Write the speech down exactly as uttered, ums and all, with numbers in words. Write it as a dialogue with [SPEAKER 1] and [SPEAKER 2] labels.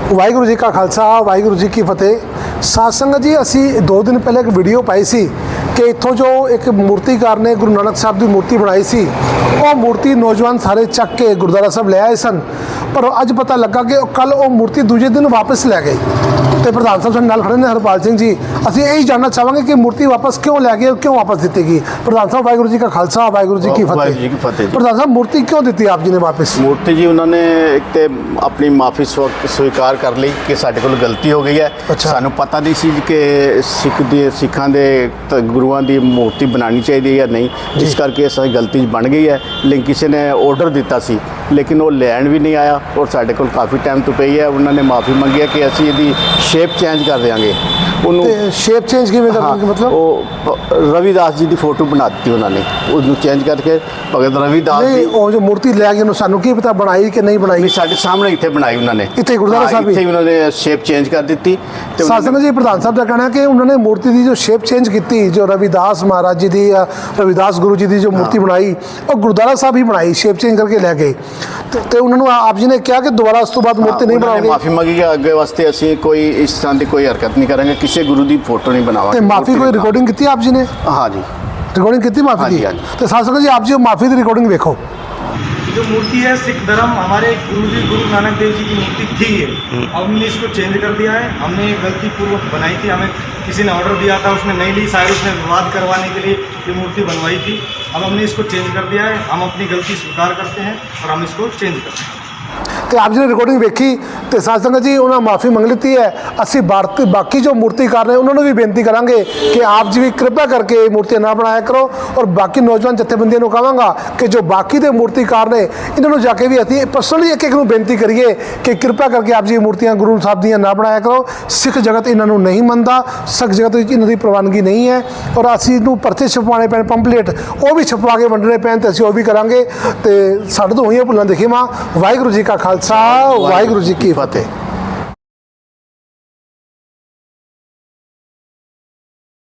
[SPEAKER 1] वाहिगुरू जी का खालसा वाहिगुरू जी की फतेह। साध संगत जी, असी दो दिन पहले एक वीडियो पाई सी कि इत्थों जो एक मूर्तिकार ने गुरु नानक साहब की मूर्ति बनाई सी, वो मूर्ति नौजवान सारे चक के गुरुद्वारा साहब ले आए सन, पर अज पता लगा कि कल वो मूर्ति दूजे दिन वापस लै गई। तो प्रधान साहब साडे नाल खड़े ने हरपाल सिंह जी, असीं यही जानना चाहांगे कि मूर्ति वापस क्यों लै गए, क्यों वापस दी गई। प्रधान साहब वाहिगुरू जी का खालसा वाहिगुरू जी की फतेह। प्रधान साहब, मूर्ति क्यों दी आप जी ने वापस?
[SPEAKER 2] मूर्ति जी उन्होंने एक तो अपनी माफ़ी स्वीकार कर ली कि साडे कोल गलती हो गई है।
[SPEAKER 1] अच्छा।
[SPEAKER 2] सानू पता नहीं सी कि सिख दी सिखां दे गुरुआं दी मूर्ति बनानी चाहिए या नहीं, जिस करके साडी गलती बन गई है। लेकिन किसी ने ऑर्डर दिता सी, लेकिन वो लैन भी नहीं आया और साडे कोल काफ़ी टाइम तो पई है। उन्होंने माफ़ी मंगी है कि असीं इहदी शेप चेंज कर देंगे। उन्होंने
[SPEAKER 1] शेप चेंज किवें कर देंगे? मतलब
[SPEAKER 2] वो रविदास जी की फोटो बना दी उन्होंने, उसनूं चेंज करके भगत रविदास
[SPEAKER 1] नहीं, वो जो मूर्ति लै गए सानू की पता बनाई कि नहीं बनाई?
[SPEAKER 2] साडे सामने इत्थे बनाई उन्होंने,
[SPEAKER 1] इत्थे गुरुद्वारा साहब
[SPEAKER 2] इत्थे उन्होंने शेप चेंज कर दी।
[SPEAKER 1] सासन जी, प्रधान साहब का कहना है कि उन्होंने मूर्ति की जो शेप चेंज की, जो रविदास महाराज जी की रविदास गुरु जी की जो मूर्ति बनाई, और गुरुद्वारा साहब ही बनाई, शेप चेंज करके लै गए। तो उन्होंने आप जी ने कहा कि दोबारा उस तो बाद मूर्ति नहीं बनाओगे?
[SPEAKER 2] माफ़ी मंगी कि अगे वास्ते असीं कोई इस तरह की कोई हरकत नहीं करेंगे, किसी गुरु की फोटो नहीं बनावांगे।
[SPEAKER 1] माफ़ी कोई रिकॉर्डिंग की आप जी ने?
[SPEAKER 2] हाँ जी,
[SPEAKER 1] रिकॉर्डिंग की माफ़ी की। तो सासन जी, आप जी माफ़ी की रिकॉर्डिंग देखो।
[SPEAKER 3] जो मूर्ति है सिख धर्म हमारे गुरु जी गुरु नानक देव जी की मूर्ति थी ये, अब हमने इसको चेंज कर दिया है। हमने गलती पूर्वक बनाई थी, हमें किसी ने ऑर्डर दिया था, उसने नहीं ली, शायद उसने विवाद करवाने के लिए ये मूर्ति बनवाई थी। अब हमने इसको चेंज कर दिया है, हम अपनी गलती स्वीकार करते हैं और हम इसको चेंज करते हैं।
[SPEAKER 1] तो आप जी ने रिकॉर्डिंग देखी तो साध संगत जी उन्होंने माफ़ी मंग ली है। असी भारत बाकी जो मूर्तिकार ने उन्होंने भी बेनती करांगे कि आप जी भी कृपा करके मूर्तियां ना बनाया करो, और बाकी नौजवान जथेबंदियों को कहांगा कि जो बाकी के मूर्तिकार ने इन्होंने जाके भी अति पर्सनली एक एक नूं बेनती करिए कि कृपा करके आप जी मूर्तियां गुरु साहब दियां ना बनाया करो। सिख जगत इन्हों नहीं मनता, सिख जगत इन्हों की प्रवानगी नहीं है, और असी इनू परचे छपवाने पैण, पंपलेट वो भी छपवा के वंडने पैण, तो असीं वो भी करांगे। तो साडे तो होईयां भुल्लां दिखीवां। वाहिगुरू जी का खालसा वाहिगुरू जी की फतेह।